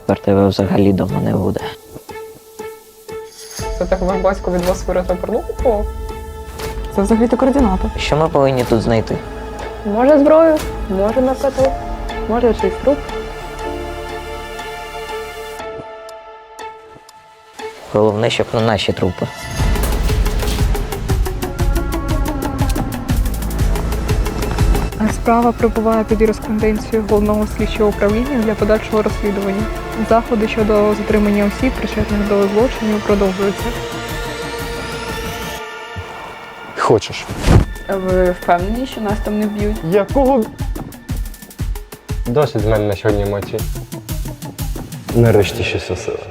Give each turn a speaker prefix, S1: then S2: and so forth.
S1: тепер тебе взагалі дома не буде.
S2: Це так ваш батько від вас виросла порнуху?
S3: Це взагалі-то координати.
S1: Що ми повинні тут знайти?
S2: Може зброю, може наркоту, може чийсь труп.
S1: Головне, щоб на наші трупи.
S4: Справа прибуває під юриспруденцією головного слідчого управління для подальшого розслідування. Заходи щодо затримання осіб, причетних до злочинів, продовжуються.
S5: Хочеш?
S2: Ви впевнені, що нас там не вб'ють?
S5: Якого? Досить з мене на сьогодні емоцій. Нарешті щось осила.